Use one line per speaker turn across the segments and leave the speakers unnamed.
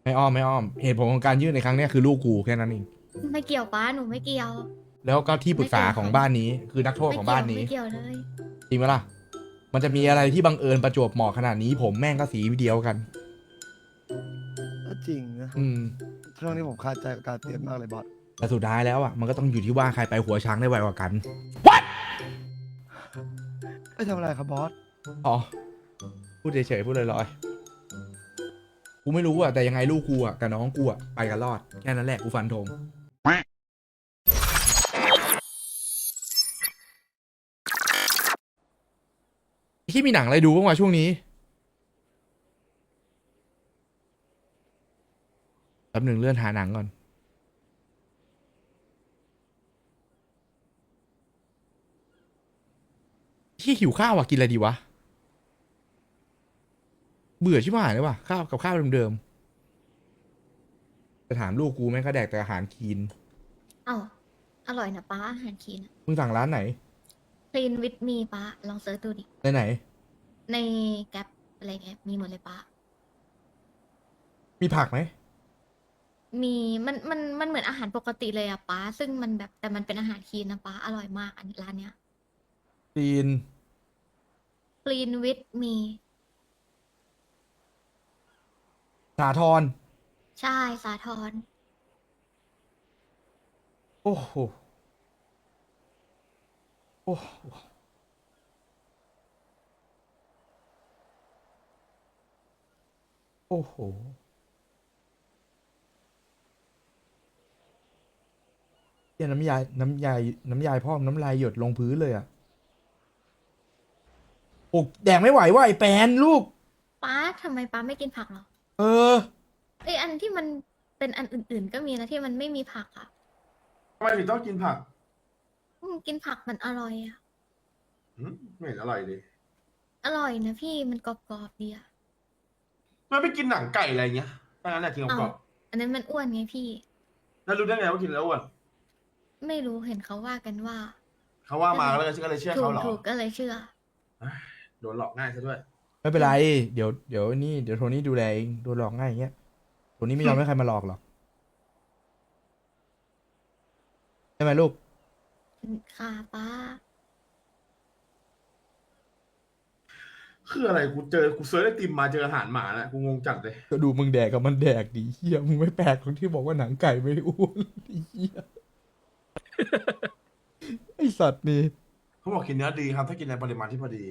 ไม่อ้อมเหตุผลของการยื่นในครั้งเนี้ยคือลูกกูแค่นั้นเอง
ไม่เกี่ยวป้าหนูไม่เกี่ยว
แล้วก็ที่ปรึ
ไม่
กษาของ
เกี่ยวกับเขา
บ้านนี้คือนักโทษ
ไม่
ของบ้านนี้
เกี่ยวไม่เกี่ยวเลย
จริงไหมล่ะมันจะมีอะไรที่บังเอิญประจวบเหมาะขนาดนี้ผมแม่งก็สีเดียวกัน
ก็จริงนะ
อืม
ช่วงนี้ผมคาใจกับการเปลี่ยนมากเลยบอส
แต่สุดท้ายแล้วอ่ะมันก็ต้องอยู่ที่ว่าใครไปหัวช้างได้ไวกว่ากัน
ไม่ทำอะไรครับบอส
อ๋อพูดเฉยๆพูดลอยๆกูไม่รู้อ่ะแต่ยังไงลูกกูอ่ะกับน้องกูอ่ะไปกันรอดแค่นั้นแหละกูฟันธงที่มีหนังอะไรดูบ้างวะช่วงนี้แป๊บหนึ่งเลื่อนหาหนังก่อนที่หิวข้าวอ่ะกินอะไรดีวะเบื่อชิบหายเลยว่ะข้าวกับข้าวเดิมๆจะถามลูกกูแม่งก็แดกแต่อาหารคลีน
เอ้าอร่อยนะป้าอาหารคีน
มึงสั่งร้านไหน
คลีนวิดมีป้าลองเซิร์ชดูดิ
ไหน
ในแก๊ปอะไรเงี้ยมีหมดเลยป้า
มีผักไหม
มีมันเหมือนอาหารปกติเลยอะป้าซึ่งมันแบบแต่มันเป็นอาหารคีนนะป้าอร่อยมากอันร้านเนี้ย
คลีน
คลีนวิดมี
สาทร
ใช่สาทร
โอ้โหโอ้โหโอ้โหเหี้ยน้ำยายพ่อมน้ำลายหยดลงพื้นเลยอ่ะโอ้แดงไม่ไหวว่ะไอ้แปนลูก
ป้าทำไมป้าไม่กินผักเหรอ
เออ
เอ้ยอันที่มันเป็นอันอื่นๆก็มีนะที่มันไม่มีผักอะ
ทำไมถึงต้องกินผัก
กินผักมันอร่อยอะ
ไม่เห็นอร่อยเลย
อร่อยนะพี่มันกรอบๆดีอะ
มันไม่กินหนังไก่อะไรเงี้ยถ้างั้นแหละกินก
อ้าว
รอบ
อันนั้นมันอ้วนไงพี่
ๆแล้วรู้ได้ไงว่ากินแล้วอ้วน
ไม่รู้เห็นเขาว่ากันว่า
เขาว่า
ก็เลย
มาแล้วก็เลยเชื่อ
ถู
เขาเหรอ
กถูกก็เลยเชื่อ
เอ้ยโดนหลอกง่ายซะด้วย
ไม่เป็นไรเดี๋ยวโทนี่ดูแลเองโดนหลอกง่ายอย่างเงี้ยโทนี่ไม่ยอมให้ใครมาหลอกหรอกใช่ไหมลูก
ค่ะป้า
คืออะไรกูเซิร์ชไอติมมาเจออาหารหมาแล้วกูงงจัดเลย
ก็ดูมึงแดกกับมันแดกดิเฮียมึงไม่แปลกตรงที่บอกว่าหนังไก่ไม่อ้วนไอ้เฮียไอสัตว์นี่
เขาบอกกินเนื้อดีครับถ้ากินในปริมาณที่พอดี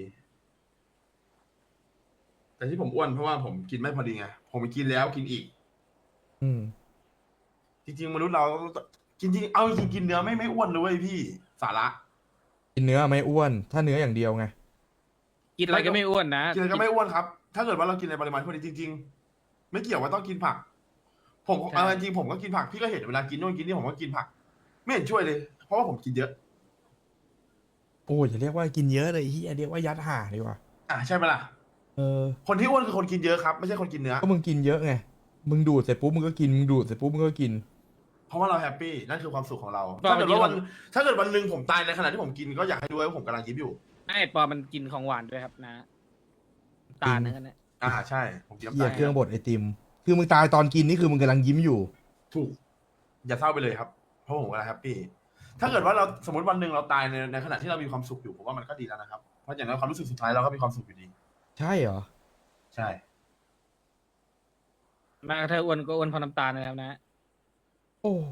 แต่ที่ผมอ้วนเพราะว่าผมกินไม่พอดีไงผมกินแล้วกินอีก
อืม
จริงๆมนุษย์เราจริงๆเอาจริงๆกินเนื้อไม่อ้วนเลยเว้ยพี่สาระ
กินเนื้อไม่อ้วนถ้าเนื้ออย่างเดียวไง
กินอะไรก็ไม่อ้วนนะ
กินอะไรก็ไม่อ้วนครับถ้าเกิดว่าเรากินในปริมาณที่พอดีจริงๆไม่เกี่ยวว่าต้องกินผัก ผม
ใช่
เอาจริงๆผมก็กินผักพี่ก็เห็นเวลากินนู่นกินนี่ผมก็กินผักไม่เห็นช่วยเลยเพราะว่าผมกินเยอะ
โอ้ยอย่าเรียกว่ากินเยอะเลยเฮียเรียกว่ายัดห่าดีกว่า
ใช่ไหมล่ะ
เออ
คนที่อ้วนคือคนกินเยอะครับไม่ใช่คนกินเนื้อ
ก็มึงกินเยอะไงมึงดูดเสร็จปุ๊บมึงก็กินมึงดูดเสร็จปุ๊บมึงก็กิน
เพราะว่าเราแฮปปี้นั่นคือความสุขของเรา
ปอมันกินของ
ถ้าเกิดวันหนึ่งผมตายในขณะที่ผมกินก็อยากให้ดูว่าผมกำลังยิ้มอยู่
ไอ้ปอมันกินของหวานด้วยครับนะ
จริ
ตาล
ง
นั่นนะ
ใช่ผมกินน้ำ
เหี้ย
ตาลครับ
เครื่องบดไอติมคือมึงตายตอนกินนี่คือมึงกำลังยิ้มอยู่
ถูกอย่าเศร้าไปเลยครับเพราะผมกำลังแฮปปี้ถ้าเกิดว่าเราสมมติวันหนึ่งเราตายในขณะที่เรามีความสุขอยู่ผมว่ามันก็ดีแล้วนะครับเพราะอย่างนั้นความรู้สึกสุดท้ายเราก็มีความสุขอยู่ดี
ใช่เหรอ
ใช่
มาถ้าอ้วนก็อ้วนเพราะน้ำตาลนะครับนะ
โอ้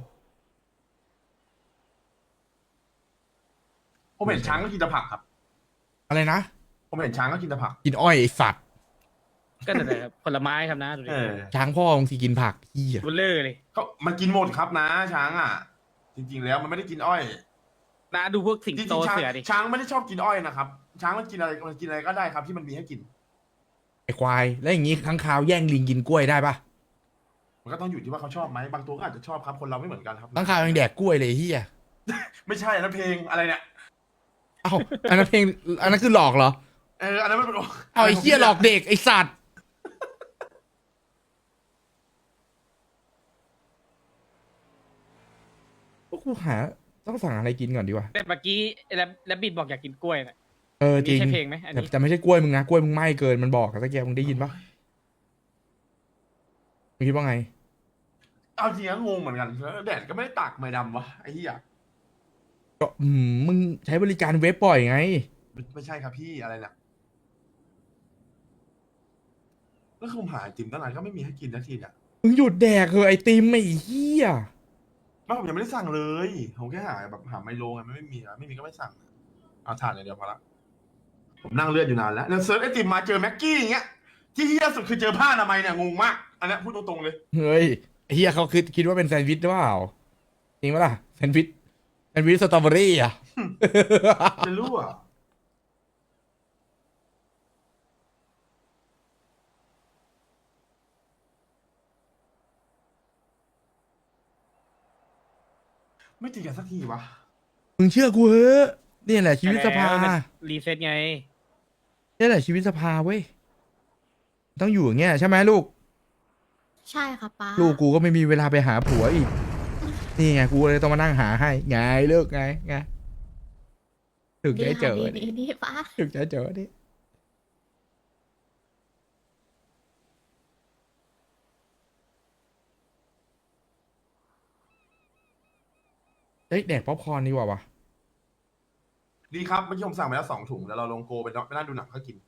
ผมเห็นช้างก็กินแต่ผักครับ
อะไรนะ
ผมเห็นช้างก็กินแต่ผัก
กินอ้อยไอสัตว์
ก็แต่ครับผลไม้ครับนะดูดิ
ช้างพ่อมึงสิกินผักเฮีย
บุลเลอร์เลย
ก็มันกินหมดครับนะช้างอ่ะจริงๆแล้วมันไม่ได้กินอ้อย
นะดูพวกสิง
จริ
โต
งๆช้าง
เสือดิ
ช้างไม่ได้ชอบกินอ้อยนะครับช้างมันกินอะไรก็ได้ครับที่มันมีให้กิน
ไอควายแล้วอย่างงี้ค้างคาวแย่งลิงกินกล้วยได้ปะ
มันก็ต้องอยู่ที่ว่าเขาชอบไหมบางตัวก็อาจจะชอบครับคนเราไม่เหมือนกันครับ
ค้างคาวยังแดกกล้วยเลยเฮีย
ไม่ใช่นะเพลงอะไรเนี่ย
เอ้าอันนั้นเพลงอันนั้นคือหลอกเหรอ
อันนั้นมันเป็น
เอาไอ้เฮียหลอกเด็กไอสัตว์กูหาต้องสั่งอะไรกินก่อนดีกว่า
แต่เมื่อกี้แล้วบิดบอกอยากกินกล้วยนะ
เออจริง
นี่ใช่เพลงไหมอันนี้
แต่ไม่ใช่กล้วยมึงนะกล้วยมึงไหม้เกินมันบอกตะเกียบมึงได้ยินปะมึงคิดว่าไง
เอาจริงๆงงเหมือนกันแล้วแดดก็ไม่ได้ตากไม่ดำวะไอ้เหี้ย
ก็มึงใช้บริการเว็บบ่อยไง
ไม่ใช่ครับพี่อะไรเนี่ยแล้วคือผมหาไอติมตั้งนานก็ไม่มีให้กินสักทีเนี่ย
มึงหยุดแดกเหอะไอติมไอ้เหี้ย
ไม่ผมยังไม่ได้สั่งเลยผมแค่หาแบบหาไมโลไงไม่มีอะไม่มีก็ไม่สั่งเอาถ่านอย่างเดียวพอละผมนั่งเลือดอยู่นานแล้วแล้วเซิร์ชไอติมมาเจอแม็กกี้อย่างเงี้ยที่เหี้ยสุดคือเจอผ้าอนามัยเนี่ยงงมากอันเนี้ยพูดตรงๆเลย
เฮ้ยไอ้เหี้ยเขาคิดว่าเป็นแซนด์วิชหรือเปล่าจริงปะล่ะแซนด์วิชสตรอเบอรี่อ่ะ
จะรู้อ่ะไม่ตีกันสักทีวะ
มึงเชื่อกูเหอะเนี่ยแหละชีวิตสภา
แล้วมันรีเซ็ตไง
เนี่ยแหละชีวิตสภาเว้ยต้องอยู่อย่างเงี้ยใช่ไหมลูก
ใช่ค่ะป้า
ลูกกูก็ไม่มีเวลาไปหาผัวอีก นี่ไงกูเลยต้องมานั่งหาให้ไงเลิกไงถึงจะได้เจอ
ดีดีป้า
ถึงจะเจอดิเฮ้ยแดกป๊อปคอร์นดีกว่าวะ
ดีครับเมื่อกี้ผมสั่งไปแล้ว2 ถุงแล้วเราลงโกไปนั่งดูหนังก็กิน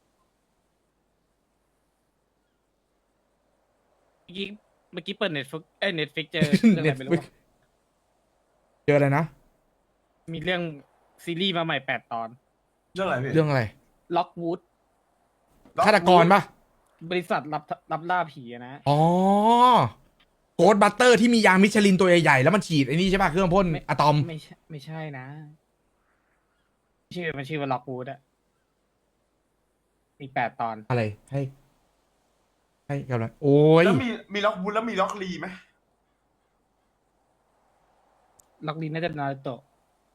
เมื่อกี้เปิดเน็ตฟิกเน็ตฟิกเจอเรื่องอะไรไม่รู้อะ
เจออะไรนะ
มีเรื่องซีรีส์มาใหม่8 ตอน
เรื่องอะไรพี่
เรื่องอะไร
ล็อกวูด
ฆาตกรปะ
บริษัทรับล่าผีอะนะ
อ๋อโกดบัตเตอร์ที่มียางมิชลินตัวใหญ่ๆแล้วมันฉีดไอ้นี่ใช่ป่ะเครื่องพ่นอะตอม
ไม่ใช่นะมันชื่อว่าล็อกวูดอะมี8 ตอน
อะไรให้กำลังโอ้ย
แล้วมีล็อกบูลแล้วมีล็อกลีไหม
ล็อกลีน่าจะนารูโตะ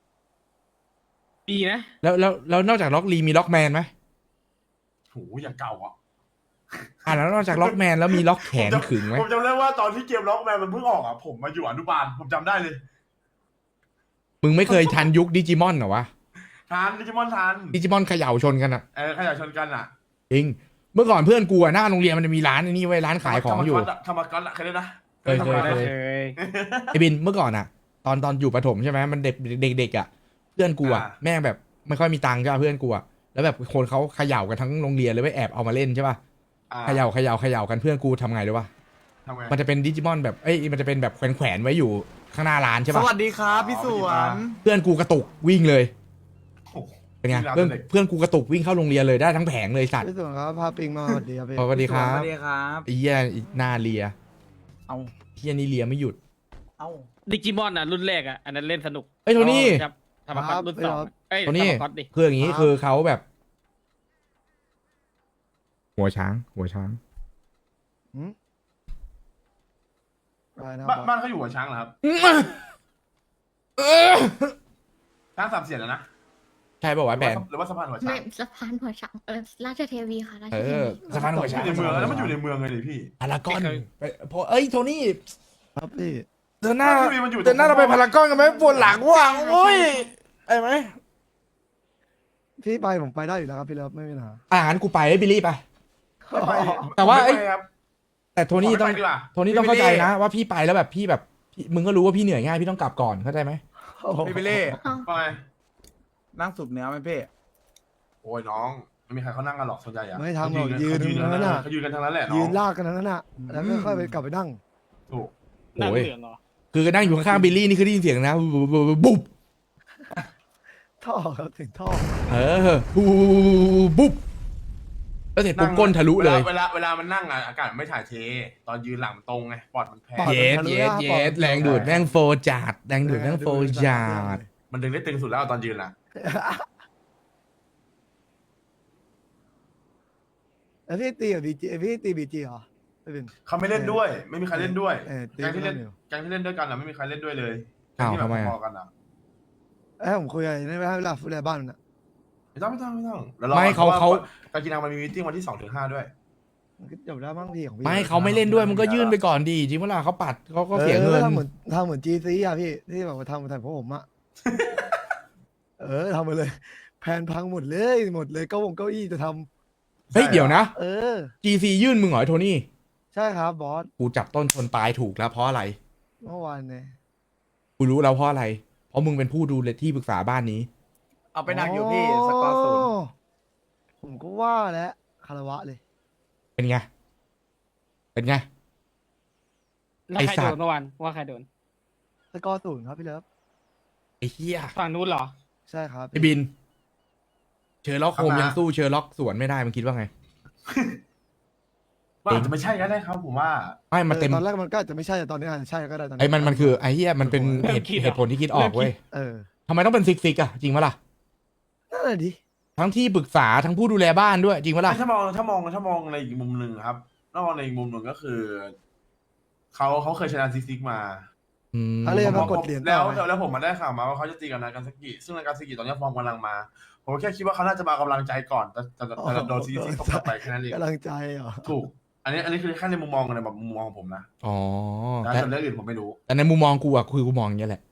ดีนะ
แล้วนอกจากล็อกลีมีล็อกแมนไหม
โหอย่างเก่าอ่ะ
แล้วนอกจากล็อกแมนแล้วมีล็อกแขนขึงไหม
ผมจำได้ว่าตอนที่เกมล็อกแมนมันเพิ่งออกอ่ะผมมาอยู่อนุบาลผมจำได้เลย
มึงไม่เคยทันยุคดิจิมอนเหรอวะ
ทันดิจิมอนทัน
ดิจิมอนเขย่าชนกันอะ
ขยะชนกันอ่ะ
จริงเมื่อก่อนเพื่อนกูอะหน้าโรงเรียนมันจะมีร้านไอ้นี่ไว้ยร้านขายของอยู่
ธรรมก๊อตอะเคยได้นะ
เคย
ธรรมก๊อต
ได้
อะ
เคย
ไอ้บินเมื่อก่อนอะตอนอยู่ประถมใช่ไหมมันเด็กอะเพื่อนกูอะแม่งแบบไม่ค่อยมีตังค์ใช่ป่ะเพื่อนกูอะแล้วแบบคนเขาเขย่ากันทั้งโรงเรียนเลยไปแอบเอามาเล่นใช่ป่ะ
อ่า
เขย่ากันเพื่อนกูทำไงรู้ป่ะ
ทำไง
มันจะเป็นดิจิมอนแบบมันจะเป็นแบบแขวนไว้อยู่ข้างหน้าร้านใช่
ส
ป่ะ
วัสดีครับพี่สวน
เพื่อนกูกระตุกวิ่งเลย
โอ้โห
เป็นไง
เวลา
เพื่อน
เด็ก
เพื่อนกูกระตุกวิ่งเข้าโรงเรียนเลยได้ทั้งแผงเลยสัตว์
พี่ส่วนครับพาปิงมาสวัสดีครับพี่
สวัสดีครับ
สวัสดีครับ
ไอ้เหี้ยหน้าเลีย
เอา
เหี้ยนี่เลียไม่หยุด
เอา
ดิจิมอนอ่ะรุ่นแรกอ่ะอันนั้นเล่นสนุก
เอ้ยโทนี่
ครับธรรมก๊อตรุ่น2อะเอ้ย
โทนี่
ธรรมก๊อตดิ
คืออย่างนี้คือเขาแบบ หัวช้าง
หืมอะไรนะค
บ้า
รั
น
บ
บ้านเขาอยู่หัวช้างเหรอครับช้างสามเสียนนะ
ใช่ป่าวะแผน
หรือว่าสะพานหัวช้า
ไม่
ง
สะพานหัวช้างราชเทวีค่ะราช
เอ
เท
อ
วี
สะพานหัวช้าง
อยู่ในเมืองแล้วมันอยู่ในเมืองเลยดิพี่
พารากอนไปพอเอ้ยโทนี่
ครับพี่
เดินหน้า
พี่มันอยู่ตรง
เดินหน้าเราไปพารากอนกันไหมปวดหลังว่ะโอ้ยไอ้ไหม
พี่ไปผมไปได้อยู่แล้วครับพี่เลิฟไม่มีปัญหา
งั้นกูไปไอ้บิลลี่ไป
ไม่ไป
แต่ว่า
ไม่ไปครับ
แต่โทนี่ต้อง
ขไม่ไปดีกว่า
โทนี่ต้องเข้าใจนะว่าพี่ไปแล้วแบบพี่แบบมึงก็รู้ว่าพี่เหนื่อยง่ายพี่ต้องกลับก่อนเข้าใจไหม
พี่เปเล่
อ้าว
ไป
นั่งสูบเนื้อไหมพี่
โอ้ยน้องไม่มีใครเขานั่งกันหรอกส่วนใหญ่อะ
ไม่ทำหรอก
เขา
ยืน
ยืน
ตรงนั้นน่ะ
เขายืนกันทั้งนั้นแหละน้
ยื
อง
นลากกันนั้นน่ะแล้วก็ค่อยไปกลับไปนั่ง
ถูก
หนัง
โอ้ย
เหลืองเหรอ
คือนั่งอยู่ข้างๆบิลลี่นี่คือได้ยินเสียงนะบุ๊บ
ท่อครับถึงท่อ
บุ๊บแล้วเสร็จปุ๊บก้นทะลุเลย
เวลามันนั่งอะอากาศไม่ถ่ายเท ตอนยืนหลังมันตรงไงปอดมันแพ้
ปอด
เยสแรงดูดแม่งโฟจัดแรงดูดแม่งโฟจัด
มันดึงได้ตึงสุดแล้วตอนยืนอะ
แล้วพี่ตีกับบีจีพี่ตีบีจีเหรอไม่เป็น
เขาไม่เล่นด้วย ไม่มีใครเล่นด้วย
ตี
แก๊งที่เล่น
ไม่อยู่
แก๊งที่เล่นด้วยกันอะไม่มีใครเล่นด้วยเลย
อ้าว
แก๊งที่แบบ
ทำไมอะ
พอๆกันอะ
ผมคุยอะไรไม่ให้เวลาฟูดบ้านมันอ่ะ
ไม่ต้องแล้วรอ
ไม่เขา
พระว่การกินนังมันมีมีตติ้งวันที่2 ถึง 5ด้วย
มันก็จบแล้วมั้งพี่ของพี่
ไม่เขาไม่เล่นด้วยมึงก็ยื่นไปก่อนดีจริงเวลาเขาปัดเขาก็เสียเงิน
ทำเหมือนจีซีอ่ะพี่ที่แบบว่าทำพวกผมอ่ะ ทำมาเลย แผนพังหมดเลยเก้าอี้จะทำ
เฮ้ยเดี๋ยวนะ
เออ
GC ยื่นมึงเหรอไอ้โทนี่
ใช่ครับบอส
กูจับต้นชนปลายถูกแล้วเพราะอะไร
เมื่อวานเนี่ย
กูรู้แล้วเพราะอะไร เพราะมึงเป็นผู้ดูแลที่ปรึกษาบ้านนี้
เอาไปหนักอยู่พี่สกอร์ศูนย์
ผมก็ว่าแล้วคารวะเลย
เป็นไง เป็นไง
แล้วใคร
ไอ้สั
โด
ตว์
นเมื่อวานว่าใครโดน
สกอร์0ครับพี่เลิฟ
ไอ้เหี้ย
ฝั่งนู้นเหรอ
ใช่ครับ
ไอ้บิน เชอร์ล็อกโฮม
ครับนะ
ยังสู้เชอร์ล็อกสวนไม่ได้มึงคิดว่าไง
ว่าอาจจะไม่ใช่ก็ได้ครับผมว่า
ไม่มาเต็ม
ตอนแรกมันก็อาจจะไม่ใช่แต่ตอนนี้อาจจะใช่ก็ได้ตอนนี้
ไอ้มันคือไอ้เหี้ยมันเป็น
เริ่มคิดเหรอ
เหตุผลที่คิดออกเว้ย
เออ
ทำไมต้องเป็นซิกอะจริงปะล่ะ
นั่นแหละดิ
ทั้งที่ปรึกษาทั้งผู้ดูแลบ้านด้วยจริงปะล่ะ
ถ้ามองในอีกมุมหนึ่งครับถ้ามองในอีกมุมหนึ่งก็คือเขาเคยชนะซิกมา
อืม
เขาเลยมากดเหรียญ
แล้
ต่
ว
อไง
แล้วผมมาได้ข่าวมาว่าเขาจะตีกับนากาซากิซึ่งนากาซากิตอนนี้ฟอร์มกำลังมา ผมแค่คิดว่าเขาน่าจะมากำลังใจก่อนแต่โดนซิกตบกลับไปแค่นั้นเอง
กำลังใจเหรอ
ถูก อันนี้คือแค่ในมุมมองในแบบมุมมองของผมนะ
อ๋อ
แต่
แต่
ส่วนเรื่องอื่นผมไม่รู้
แต่ในมุมมองกูอะคือกูมองอย่างเงี้ยแหละ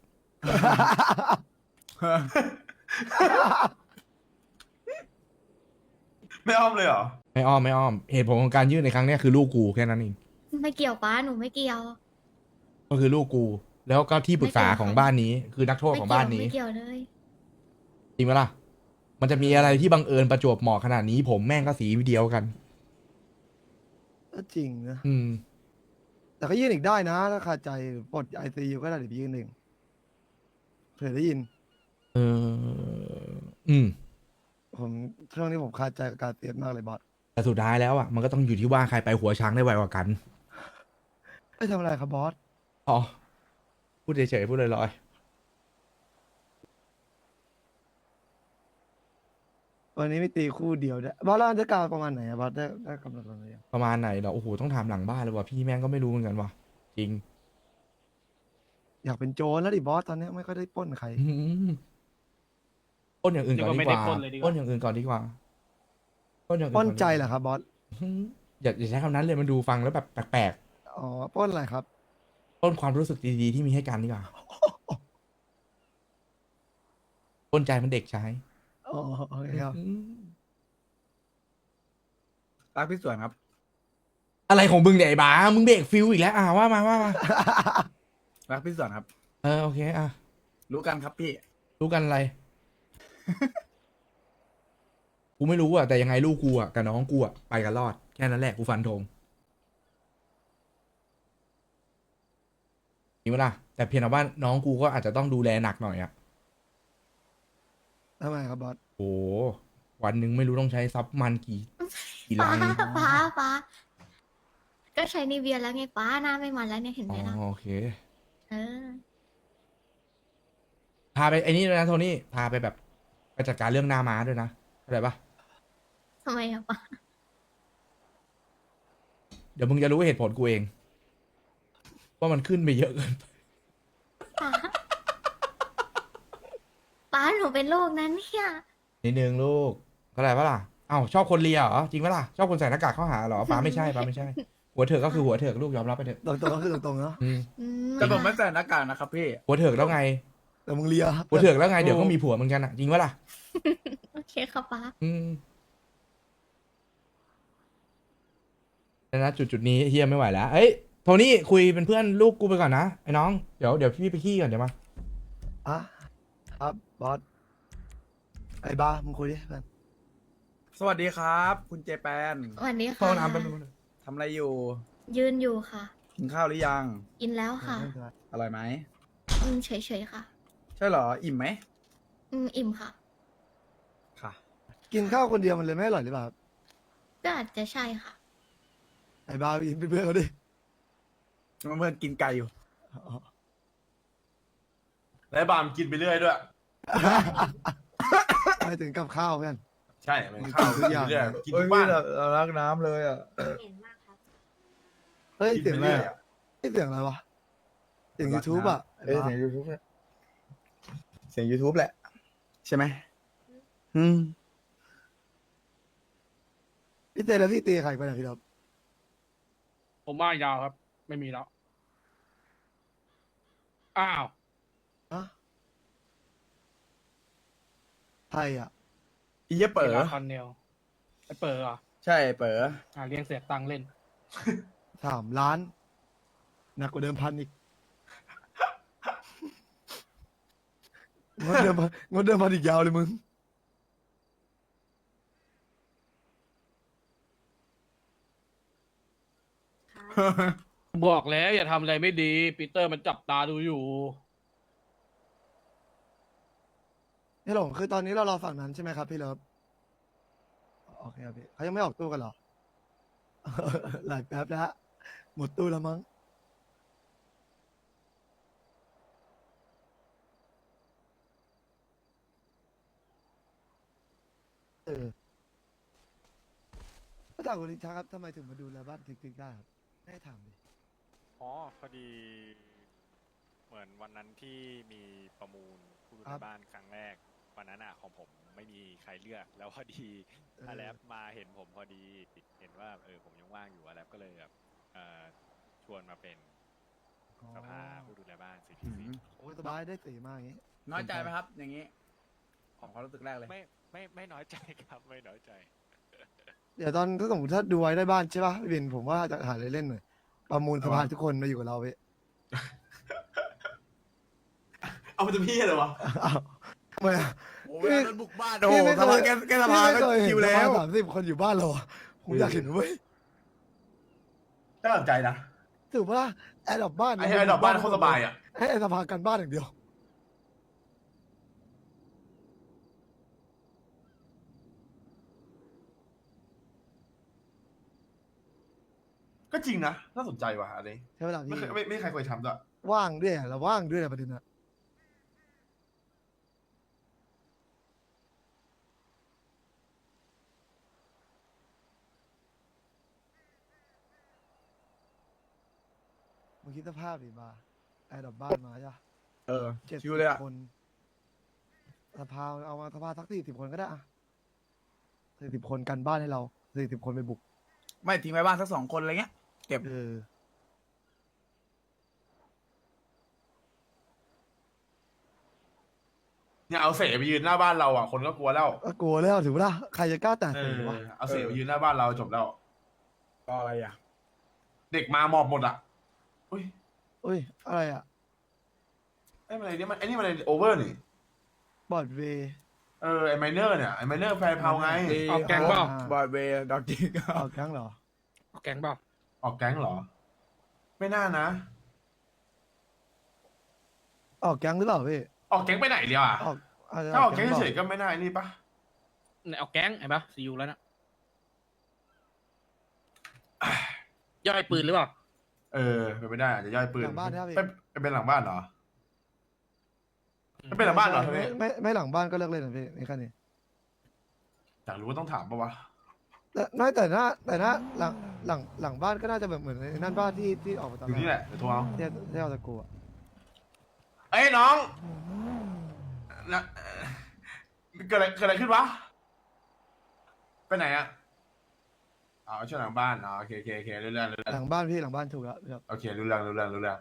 ไม่อ้อมเลยเหรอ
ไม่อ้อมไม่อ้อม เหตุผลของการยื่นในครั้งเนี้ยคือลูกกูแค่นั้นเอง
ไม่เกี่ยวป้าหนูไม่เกี่ยว
ก็คือลูกกู แล้วก็ที่ปรึกษาของบ้านนี้ คือนักโทษของบ้านนี้
ไม่เกี่ยวเลย
จริงไหมล่ะ มันจะมีอะไรที่บังเอิญประจวบเหมาะขนาดนี้ ผมแม่งก็สีเดียวกัน
ก็จริงนะ
อืม
แต่ก็ยื่นอีกได้นะ ถ้าขาดใจปลดไอซียูก็ได้เดี๋ยวไปยื่นเองเผื่อได้ยิน
เออ อืม
ผมช่วงนี้ผมคาใจกับการเตียนมากเลยบอส
แต่สุดท้ายแล้วอ่ะ มันก็ต้องอยู่ที่ว่าใครไปหัวช้างได้ไวกว่ากัน
ไม่ทำอะไรครับบอส
อ๋อ พูดเฉยๆพูดลอย
วันนี้ไม่ตีคู่เดียวด้วยบอสแล้วจะกล่าวประมาณไหนอะบอสได้กำหนดวันไหนยัง
ๆประมาณไหนเหรอ โอ้โห ต้องถามหลังบ้านเลยว่ะ พี่แม่งก็ไม่รู้เหมือนกันว่ะ จริง
อยากเป็นโจรแล้วดิบอสตอนนี้ไม่ค่อยได้ปล้นใคร
อืมปล้นอย่างอื่นก่อนดีกว่า
เดี๋ยวก็ไม่ได้ปล้นเลยดีกว่า
ปล้นอย่างอื่นก่อนดีกว่าปล้นอย่างอื่น
ปล้น
ก่อนดีกว่า
ใจเหรอครับบอส
อืมอย่าใช้คำนั้นเลยมันดูฟังแล้วแบบแปลก
อ๋อปล้นอะไรครับ
ๆปล้นความรู้สึกดีๆที่มีให้กันดีกว่าปล้นใจมันเด็กใช้
อ๋อโอเคครับ
อืม
รักพี่สวนครับ
อะไรของมึงเนี่ยไอ้บ้ามึงเบรกฟิวอีกแล้วว่ามา
รักพี่สวนครับ
โอเค
รู้กันครับพี่
รู้กันอะไร กูไม่รู้อ่ะแต่ยังไงลูกกูอ่ะกับน้องกูอ่ะไปกันรอดแค่นั้นแหละกูฟันธงนี่วะล่ะแต่เพียงแต่ว่าน้องกูก็อาจจะต้องดูแลหนักหน่อยอ่ะ
ทำไมครับบอส
โอ้วันหนึ่งไม่รู้ต้องใช้ซับมันกี่
ป้า
ลัง
ป้าก็ใช้นิเวียแล้วไงป้าหน้าไม่มันแล้วเนี่ยเห็นไห
อ๋
ม
อ
ล่ะ
โอเค
เออ
พาไปไอ้นี่ด้วยนะโทนี่พาไปแบบไปจัดการเรื่องหน้าม้าด้วยนะเข้าใจปะ
ทำไมอะป้า
เดี๋ยวมึงจะรู้เหตุผลกูเอง ว่ามันขึ้นไปเยอะเกินไป
ป้าป้าหนูเป็นโรคนั้นเนี่ย
นิดนึงลูกเข้าใจปะล่ะเอ้าชอบคนเลียเหรอจริงปะล่ะชอบคนใส่หน้ากากเข้าหาเหรอป้าไม่ใช่ป้าไม่ใช่ หัวเถิกก็คือหัวเถิกลูกยอมรับไปเถอะ
ตรงๆก็คือตรงๆเนาะ
อืม
แต่ผมไม่ใส่หน้ากากนะครับพี่
หัวเถิกแล้วไง
แต่มึงเลีย
หัวเถิกแล้วไงเดี๋ยวก็มีผัวเหมือนกันอ่ะจริงปะล่ะ
โอเคค่ะป้า
อืมแต่นะจุดนี้เฮียไม่ไหวแล้วเอ้ยโทนี่คุยเป็นเพื่อนลูกกูไปก่อนนะไอ้น้องเดี๋ยวพี่ไปขี้ก่อนเดี๋ยวมา
อ่ะครับบอสไอ้บ้ามึงคุยดิเพื่อน
สวัสดีครับ คุณเจแปน
วันนี้
เข้า
ค่ะ
น้ำแป๊บนึง
ทำอะไรอยู่
ยืนอยู่ค่ะ
กินข้าวหรือยัง
กินแล้วค่ะ
อร่อยไหม
เฉยๆค่ะ
ใช่เหรอ อิ่มไหม
อิ่มค่ะ
ค่ะ
กินข้าวคนเดียวมันเลยไม่อร่อยหรือเปล่าครับ
ก็อาจจะใช่ค่ะ
ไอ้บ้าไปกินเป็นเพื่อนเขาดิ
เมื่อกินไก่อยู่
อ๋อ
และบามกินไปเรื่อยด้วย
ไม่ถึงกับข้าวเพื่อน
ใช่มันข้าว
ทุ
กิ
ก
น
อย่าง
ไปเรื่อยกินทุกบ้าน
เรารักน้ำเลยอ่ะ
เฮ้ย
กิน
เสียง
ไป
อะไร
เรื่อย
อะเฮ้ยเสียงอะไรวะเสียงยูทูบอ่ะไอ้
เอ้ย
บ้า
เสียงยูทูบเสียง YouTube แหละ ใช่ไหมอืม
พี่เต้แล้วพี่ตีใครไปไหนพี่ครับ
ผมว่ายาวครับ ไม่มีแล้ว อ้าว
อะไทยอ่ะ
อีเยเป๋อ
คอนเนลไอเปิดเหรอ
ใช่เป๋อ
เลี้ยงเสียตังค์เล่น
3 ล้านหนักกว่าเดิมพันอีกงดเดิมพันอีกยาวเลยมึง
บอกแล้วอย่าทำอะไรไม่ดีปีเตอร์มันจับตาดูอยู่
นี่หลงคือตอนนี้เรารอฝั่งนั้นใช่ไหมครับพี่เลิฟโอเคครับพี่เขายังไม่ออกตู้กันเหรอ หลายแป๊บแล้วหมดตู้แล้วมั้งเออก็ถามคุณลิชาครับทำไมถึงมาดูแลบ้านทิกๆได้ครับไม่ให้ถามดิ
อ๋อพอดีเหมือนวันนั้นที่มีประมูลผู้ดู
ครั
แล
บ
บ้านครั้งแรกวันนั้นของผมไม่มีใครเลือก แล้วพอดี
เออ
อาแลปมาเห็นผมพอดี เห็นว่าผมยังว่างอยู่อาแลปก็เลยแบบชวนมาเป็นสภาผู้ดูแลบ้าน
อื
CPC
ม
โอ้ยสบายได้สีมากอย่างงี้
น้อยใจไหมครับ อย่างนี้ ของความรู้สึกแรกเลย
ไม่น้อยใจครับไม่น้อยใจ
เดี๋ยวตอนถ้าสมมติถ้าดูไว้ได้บ้านใช่ป่ะพี่บินผมว่าจะหาอะไรเล่นหน่อยประมูลสภาทุกคนมาอยู่กับเราพี่
เอาไปทำพี่เลยวะ
อ้าวทำไมอะ
โอ้เวลาโดนบุกบ้านโอ้โห
พี่ไม่เคย
สภาแกสภาก็
พี่ไม่เคยเห็น
คิวแล้ว
สภา30 คนอยู่บ้านเราอะผมอยากเห็นเว้ย
น่าสนใจนะ
ถือว่าแอร์ดรอปบ้าน
ไอ้ดอกบ้านโคตรสบายอ่ะ
ให้ไอ้สภากันบ้านอย่างเดียว
ก็จริงนะน่าสนใจว่ะอันนี้
ใช่ไหมล่ะ
ไม่
พี่
เคยไม่ใครเคยทำด้วย
ว่างด้วยเราว่างด้วยอะประเด็นอะมึงคิดสภาพดิมาแอร์ดรอปบ้านมาใช่ปะ
เออ
70
คิวเลยอะ
คนสภาเอามาสภาสัก40 คนก็ได้อะ40 คนกันบ้านให้เรา40 คนไปบุก
ไม่ทิ้งไว้บ้านสัก2 คนอะไรเงี้ย เก็บ
เออ
เนี่ยเอาเสไปยืนหน้าบ้านเราอ่ะคนก็กลัวแล้ว
ก็กลัวแล้วถือว่าล่ะใครจะกล้าแต่
เอ
เสื
อ
อวะ
เอาเสไปยืนหน้าบ้านเราจบแล้ว
ก็อะไรอ่ะ
เด็กมาหมอบหมดอ่ะอุ้ย
อุ้ยอะไรอะ
ไอ้มันอะไรเนี่ยมันไอ้นี่มันอะไรโอเวอร์นี่
บอร์ดเวย์
ไอ้ไมเนอร์เนี่ยไอ้ไมเนอร์แฟร์เพาไง
ออกแก๊งเปล่า
บอยเวย์ดอกจิก
ออกแก๊งเหรอ
แกงเปล่า
ออกแก๊งเหรอ ไม่น่านะ
ออกแก๊งหรือเปล่าพี่
ออกแก๊งไปไหนเดียวอ่ะ
ออกอาจจะ
ถ้าออกแก๊ง
ปล่
เฉยๆก็ไม่น่าไอ้นี่ปะ
เนี่ยเอาแก๊งไอ้ปะซีอูแล้วนะย่อยปืนหรือเปล่า
เป็นไม่ได้อาจจะย่อยปืน
หลังบ้านใช่ไหมพี่
ไม่เป็นหลังบ้านเหรอไม่เป็นหลังบ้านเหรอ
ไม่ไม่หลังบ้านก็เลิกเล่นนะพี่นี่แค่นี้
อยากรู้ว่าต้องถามปะวะ
แต่ไม่แต่หน้าหลังบ้านก็น่าจะแบบเหมือนในนั่นบ้านที่ออกมาตอน
อยู่นี่แหละเดี๋ยวโทรเอา
ที่เอาตะกูอะ
เอ้ยน้องนะเกิดอะไรขึ้นวะไปไหนอ่ะอ๋อช่วยหลังบ้านอ๋อโอเคเรื่อง
หลังบ้านพี่หลังบ้านถูกแล้วครับ
โอเครู้เรื่องห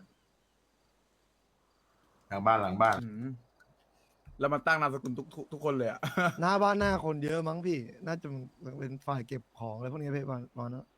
ลังบ้าน
อืมแล้วมันตั้งนามสกุลทุกคนเลยอ่ะ
หน้าบ้านหน้าคนเยอะมั้งพี่ น่าจะเป็นฝ่ายเก็บของอะไรพวกนี้พี่มาเนาะ